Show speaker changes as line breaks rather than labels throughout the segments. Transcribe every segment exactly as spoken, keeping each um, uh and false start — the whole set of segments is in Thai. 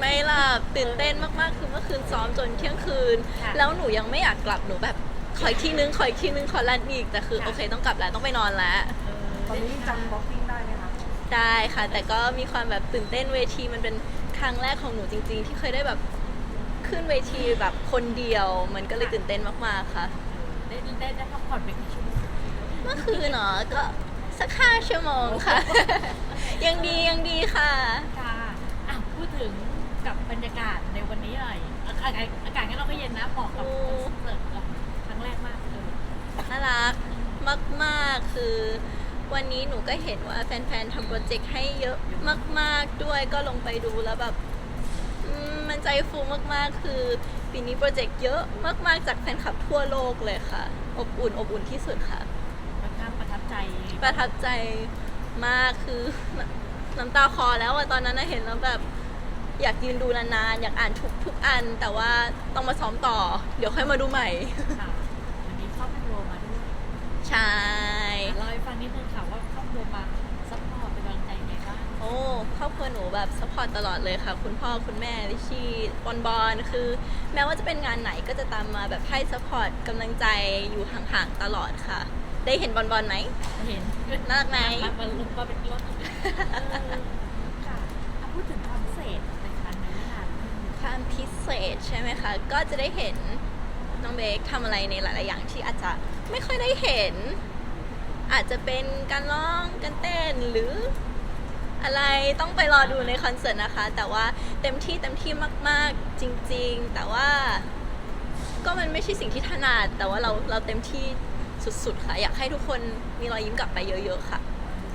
ไม่หลับตื่นเต้นมากๆคือเมื่อคืนซ้อมจนเที่ยงคืนแล้วหนูยังไม่อยากกลับหนูแบบขออีกทีนึงขออีกทีนึงขอรันอีกแต่คือโอเคต้องกลับแล้วต้องไปนอนแล้ว
ตอนนี้จำบ็อกซิ่งได้ไหมคะ
ได้ค่ะแต่ก็มีความแบบตื่นเต้นเวทีมันเป็นครั้งแรกของหนูจริงๆที่เคยได้แบบขึ้นเวทีแบบคนเดียวมันก็เลยตื่นเต้นมากๆค่ะ
ได้ได้ได้พักผ่อนไปกี่ชั่วโมง
เมื่อคืนเนาะก็สักห้าชั่วโมงค่ะ ยังดียังดีค่ะ
ค่ะอ่ะพูดถึงกับบรรยากาศในวันนี้หน่อยอากาศอากาศงั้นเราก็เย็นนะเหมาะกับคอนเสิร์ตเราครั้งแรกมากเลย
น่ารักมากๆคือวันนี้หนูก็เห็นว่าแฟนๆทำโปรเจกต์ให้เยอะมากๆด้วยก็ลงไปดูแล้วแบบมันใจฟูมากๆคือปีนี้โปรเจกต์เยอะมากๆจากแฟนคลับทั่วโลกเลยค่ะอบอุ่นอบอุ่นที่สุดค่ะ
ค่อนข้างประทับใจ
ประทับใจมากคือน้ำตาคลอแล้วอะตอนนั้นเห็นแล้วแบบอยากยืนดูนานๆอยากอ่านทุกทุกอันแต่ว่าต้องมาซ้อมต่อเดี๋ยวค่อยมาดูใหม่
ค่ะวันนี้ครอบครัวมาด้วย
ใช่
เล่าให้ฟังนิดนึงค่ะว่าครอบครัวมาซัพพอร์ตเป็นกำลังใจไงบ้าง
โอ้ครอบครัวหนูแบบซัพพอร์ตตลอดเลยค่ะคุณพ่อคุณแม่ลิชี่บอลบอลคือแม้ว่าจะเป็นงานไหนก็จะตามมาแบบให้ซัพพอร์ตกำลังใจอยู่ห่างๆตลอดค่ะได้เห็นบอลบอลไหม
เห็น
น่ารักไหม
มันลงมาเป็นรถค่ะพูดถึงความพิเศษในครั้งนี้ค่ะ
ความพิเศษใช่ไหมคะก็จะได้เห็นน้องเบคทำอะไรในหลายๆอย่างที่อาจจะไม่ค่อยได้เห็นอาจจะเป็นการร้องการเต้นหรืออะไรต้องไปรอดูในคอนเสิร์ตนะคะแต่ว่าเต็มที่เต็มที่มากๆจริงๆแต่ว่าก็มันไม่ใช่สิ่งที่ถนัดแต่ว่าเราเราเต็มที่สุดๆค่ะอยากให้ทุกคนมีรอยยิ้มกลับไปเยอะๆค่ะ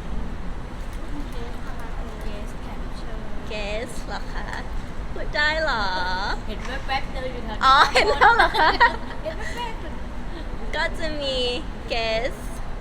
เกสเหรอคะพูดได้เหรอ
เห็นแวบๆเดินอยู่แถว
อ๋อเห็นแล้วเหรอคะก็จะมีเกส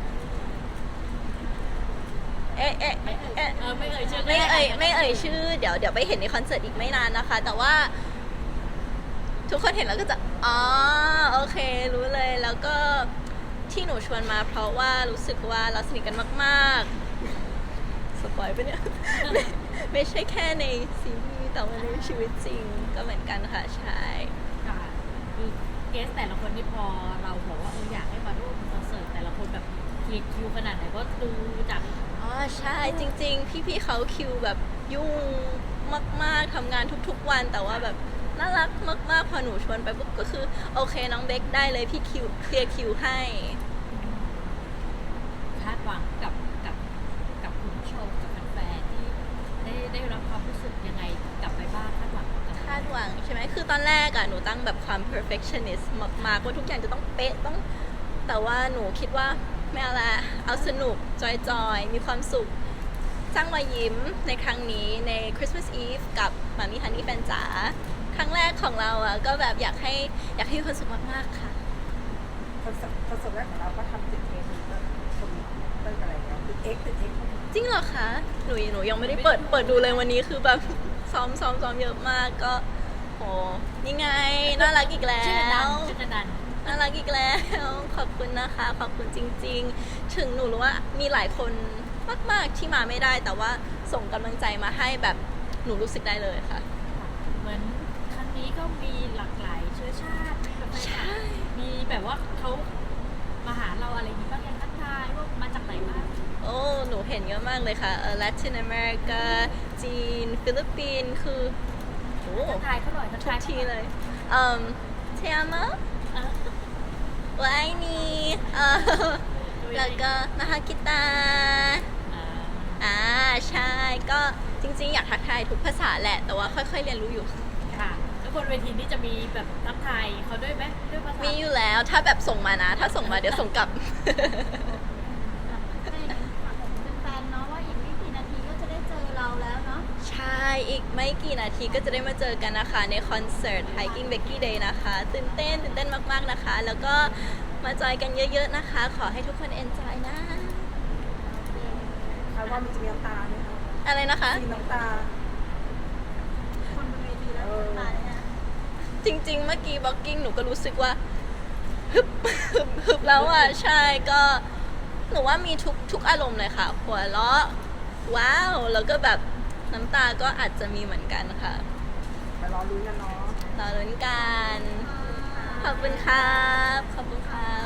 เอ๊ะเอ๊ะเอ๊ะ
ไม่เอ่ยชื่อ
ไม่เอ่ยไม่เอ่ยชื่อเดี๋ยวเดี๋ยวไปเห็นในคอนเสิร์ตอีกไม่นานนะคะแต่ว่าทุกคนเห็นแล้วก็จะอ๋อโอเครู้เลยแล้วก็ที่หนูชวนมาเพราะว่ารู้สึกว่าเราสนิทกันมากๆสปอยล์ปะเนี่ย ไม่ไม่ใช่แค่ในซีรีส์แต่ว่าในชีวิตจริงก็เหมือนกันค่ะใช่
ค่ะคือเกสแต่ละคนที่พอเราบอกว่าเอออยากให้มาร่วมคอนเสิร์ตแต่ละคนแบบเคลียร์คิวขนาดไหนก็ดูจาก
อ๋อใช่จริงๆพี่ๆเขาคิวแบบยุ่งมากๆทำงานทุกๆวันแต่ว่าแบบน่ารักมากๆพอหนูชวนไปปุ๊บก็คือโอเคน้องเบคได้เลยพี่คิวเคลียร์คิวให้
คาดหวังกับกับกับคุณผู้ชมกับแฟนๆที่ได้ได้รับความรู้สึกยังไงกลับไปบ้างคาดหวัง
คาดหวังใช่ไหมคือตอนแรกอะหนูตั้งแบบความ perfectionist มากๆว่าทุกอย่างจะต้องเป๊ะต้องแต่ว่าหนูคิดว่าไม่เอาละเอาสนุกจอยๆมีความสุขสร้างรอยยิ้มในครั้งนี้ใน Christmas Eve กับมามี่ฮันนี่แฟนจ๋าครั้งแรกของเราอะก็แบบอยากให้อยากให้มีความสุขมากๆค่ะ
คอนเสิร์ตแรกของเราก็ทำติดเทรนด์แล้วคนเต้นอะไรเงี้ยติดเอ็กติดเอ็ก
จริงเหรอคะหนูหนูยังไม่ได้เปิดเปิดดูเลยวันนี้คือแบบซ้อมซ้อมซ้อมเยอะมากก็โหนี่ไงน่ารักอีกแล้ว
ชื่อนัน
น่ารักอีกแล้วขอบคุณนะคะขอบคุณจริงๆถึงหนูรู้ว่ามีหลายคนมากๆที่มาไม่ได้แต่ว่าส่งกำลังใจมาให้แบบหนูรู้สึกได้เลยค่ะ
เหมือนครั้งนี้ก็มีหลากหลายเชื้อชาติมีแบบมีแบบว่าเขามาหาเราอะไรอย่างนี้บ้างยังทักทายว่ามาจากไหนบ้าง
โอ้หนูเห็นเยอะมากเลยค่ะเออลาตินอเมริกาจีนฟิลิปปินส์คือ
โอ้ทักทายเขาหน่อยทักทาย
ทีเลยเอ่อเทียมะวายนี่เออแล้วก็นาฮากิตาอ่าใช่ก็จริงๆอยากทักทายทุกภาษาแหละแต่ว่าค่อยๆเรียนรู้อยู่
ค่ะแล้วบนเวทีนี้จะมีแบบทักทายเขาด้วยไหมด้วยภาษา
มีอยู่แล้วถ้าแบบส่งมานะถ้าส่งมาเดี๋ยวส่งกลับใช่อีกไม่กี่นาทีก็จะได้มาเจอกันนะคะในคอนเสิร์ต Hiking Becky Day นะคะตื่นเต้นตื่นเต้นมากๆนะคะแล้วก็มาจอยกันเยอะๆนะคะขอให้ทุกคน enjoy นะ
คาดว่ามันจะมีน้ำตาไหมคะ
อะไรนะคะ
มีน้ำตาคนบนเวทีแล้วน้ำตาเนี่ย
จริงๆเมื่อกี้บล็อกกิ้งหนูก็รู้สึกว่าฮึบฮึบฮึบแล้วอ่ะใช่ก็หนูว่ามีทุกทุกอารมณ์เลยค่ะหัวเราะว้าวแล้วก็แบบน้ำตาก็อาจจะมีเหมือนกันค่ะ
ไปรอลุ้นกันเนาะ
รอลุ้นกัน ขอบคุณครับ ขอบคุณครับ